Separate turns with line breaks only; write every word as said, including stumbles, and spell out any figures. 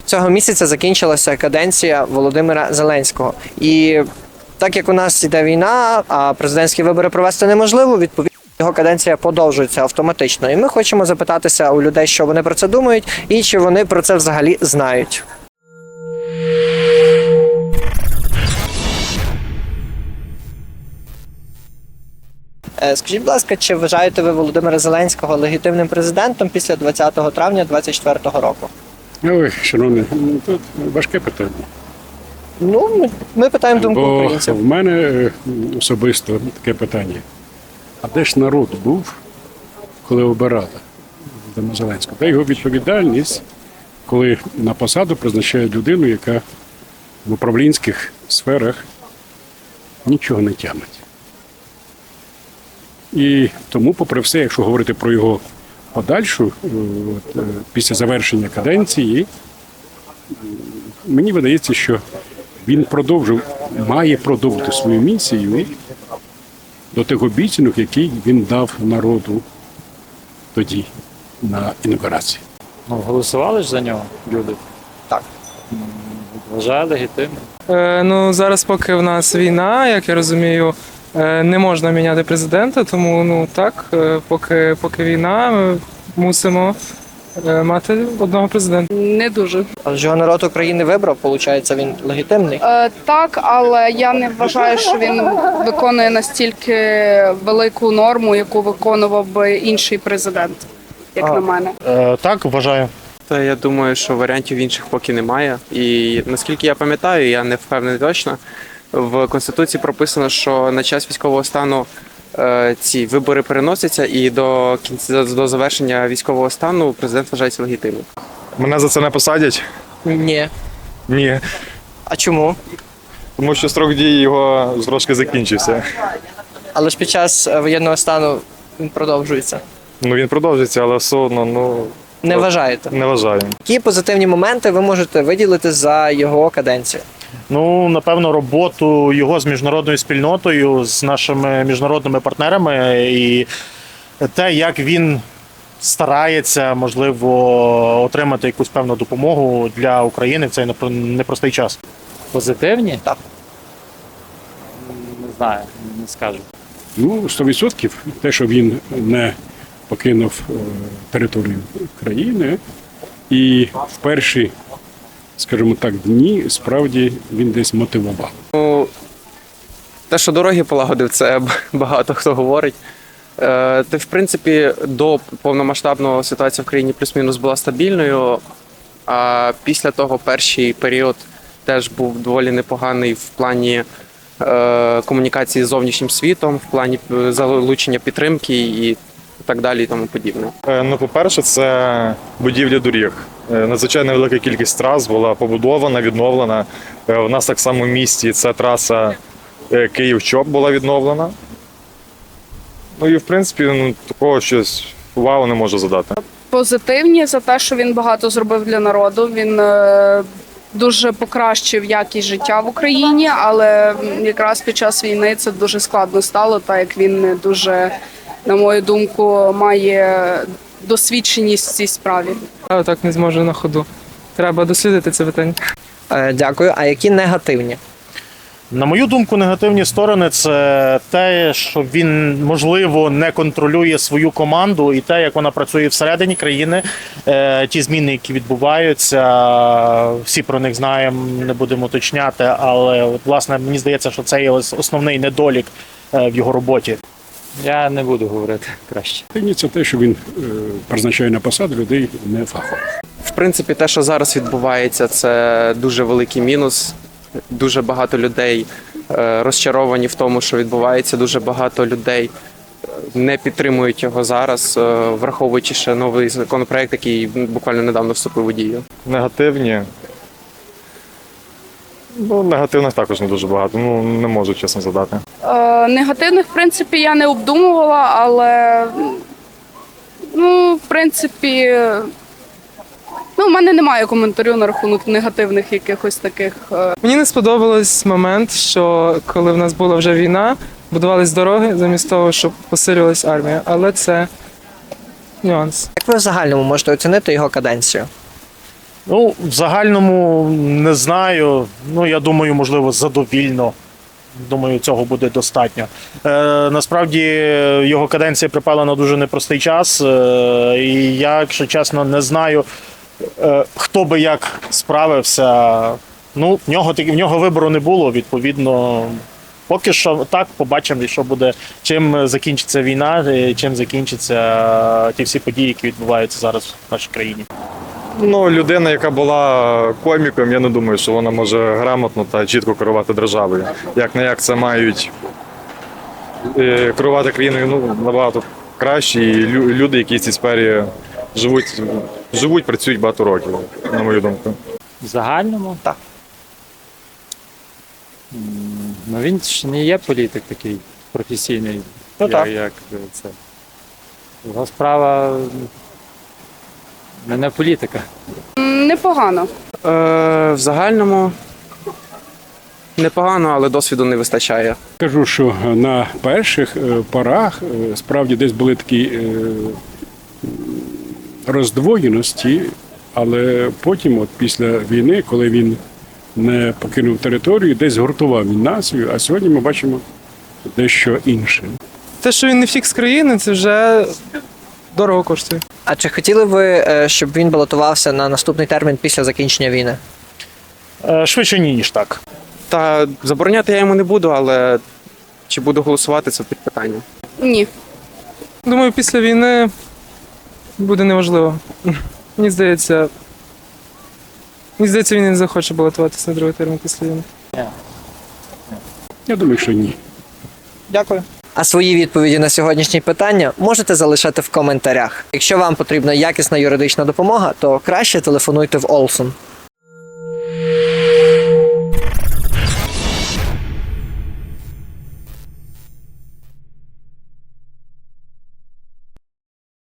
Цього місяця закінчилася каденція Володимира Зеленського. І так як у нас йде війна, а президентські вибори провести неможливо, відповідно, його каденція подовжується автоматично. І ми хочемо запитатися у людей, що вони про це думають, і чи вони про це взагалі знають. Скажіть, будь ласка, чи вважаєте ви Володимира Зеленського легітимним президентом після двадцятого травня двадцять четвертого року?
Ой, шановний, тут важке питання.
Ну, ми, ми питаємо думку
Бо
українців.
в мене особисто таке питання. А де ж народ був, коли обирали Володимира Зеленського? Де його відповідальність, коли на посаду призначають людину, яка в управлінських сферах нічого не тямить. І тому, попри все, якщо говорити про його подальшу, от, після завершення каденції, мені видається, що він продовжив, має продовжити свою місію до тих обіцянок, які він дав народу тоді на інаугурації.
Ну, голосували ж за нього люди?
Так.
Вважаю легітимним.
Е, ну, зараз поки в нас війна, як я розумію, е, не можна міняти президента, тому ну так, е, поки, поки війна, ми мусимо е, мати одного президента.
Не дуже.
Але ж його народ України вибрав, виходить, він легітимний.
Е, так, але я не вважаю, що він виконує настільки велику норму, яку виконував би інший президент, як
А.
на мене.
Е, так, вважаю.
Та я думаю, що варіантів інших поки немає. І наскільки я пам'ятаю, я не впевнений точно, в Конституції прописано, що на час військового стану е, ці вибори переносяться, і до кінця до завершення військового стану президент вважається легітимним.
Мене за це не посадять?
Ні.
Ні.
А чому?
Тому що строк дії його трошки закінчився.
Але ж під час е, воєнного стану він продовжується.
Ну він продовжиться, але все одно, ну,
Не вважаєте?
не вважаю.
Які позитивні моменти ви можете виділити за його каденцію?
Ну, напевно, роботу його з міжнародною спільнотою, з нашими міжнародними партнерами і те, як він старається, можливо, отримати якусь певну допомогу для України в цей непро- непростий час.
Позитивні?
Так.
Не знаю, не скажу.
Ну, сто відсотків те, що він не покинув е, територію країни, і в перші, скажімо так, дні справді він десь мотивував.
Ну, те, що дороги полагодив, це багато хто говорить. Е, Та, в принципі, до повномасштабного ситуація в країні плюс-мінус була стабільною, а після того перший період теж був доволі непоганий в плані е, комунікації з зовнішнім світом, в плані е, залучення підтримки і так далі і тому подібне.
Е, Ну, по-перше, це будівля доріг. Е, Надзвичайно велика кількість трас була побудована, відновлена. Е, У нас так само в місті ця траса е, Київ-Чоп була відновлена. Ну і в принципі, ну, такого щось вау не можу задати.
Позитивні за те, що він багато зробив для народу. Він е, дуже покращив якість життя в Україні, але якраз під час війни це дуже складно стало, так як він не дуже, на мою думку, має досвідченість в цій справі.
Я так не зможу на ходу. Треба дослідити це питання.
Е, дякую. А які негативні?
На мою думку, негативні сторони – це те, що він, можливо, не контролює свою команду і те, як вона працює всередині країни. Е, Ті зміни, які відбуваються, всі про них знаємо, не будемо уточняти, але, от, власне, мені здається, що це є ось основний недолік е, в його роботі.
Я не буду говорити краще.
І це те, що він е, призначає на посаду людей не фахових.
В принципі, те, що зараз відбувається, це дуже великий мінус. Дуже багато людей е, розчаровані в тому, що відбувається. Дуже багато людей не підтримують його зараз, е, враховуючи ще новий законопроект, який буквально недавно вступив у дію.
Негативні. Ну, негативних також не дуже багато. Ну, не можу чесно задати.
Е, негативних, в принципі, я не обдумувала, але ну, в принципі, ну, в мене немає коментарю на рахунок негативних якихось таких. е,
Мені не сподобалось момент, що коли в нас була вже війна, будувались дороги замість того, щоб посилювалась армія. Але це нюанс.
Як ви в загальному можете оцінити його каденцію?
Ну, в загальному не знаю. Ну, я думаю, можливо, задовільно. Думаю, цього буде достатньо. Е, насправді його каденція припала на дуже непростий час. Е, і я, якщо чесно, не знаю, е, хто би як справився. Ну, в нього, в нього вибору не було, відповідно. Поки що так, побачимо, що буде, чим закінчиться війна, і чим закінчаться ті всі події, які відбуваються зараз в нашій країні.
Ну, людина, яка була коміком, я не думаю, що вона може грамотно та чітко керувати державою. Як не як це мають е, керувати країною ну, набагато краще. І лю- люди, які в цій сфері живуть, живуть, працюють багато років, на мою думку.
В загальному?
Так.
М, Ну він ж не є політик такий професійний,
Ну,
як,
так.
як це. Його справа не, не політика.
М, Непогано.
Е, в загальному непогано, але досвіду не вистачає.
Кажу, що на перших е, порах е, справді десь були такі е, роздвоєності, але потім, от після війни, коли він не покинув територію, десь згуртував він націю, а сьогодні ми бачимо дещо інше.
Те, що він не втік з країни, це вже дорого коштує.
А чи хотіли ви, е, щоб він балотувався на наступний термін після закінчення війни?
Е, швидше ні, ніж так.
Та забороняти я йому не буду, але чи буду голосувати, це під питання.
Ні.
Думаю, після війни буде неважливо. Мені здається, мені здається, він не захоче балотуватися на другий термін після війни.
Я думаю, що ні.
Дякую. А свої відповіді на сьогоднішні питання можете залишати в коментарях. Якщо вам потрібна якісна юридична допомога, то краще телефонуйте в Олсон.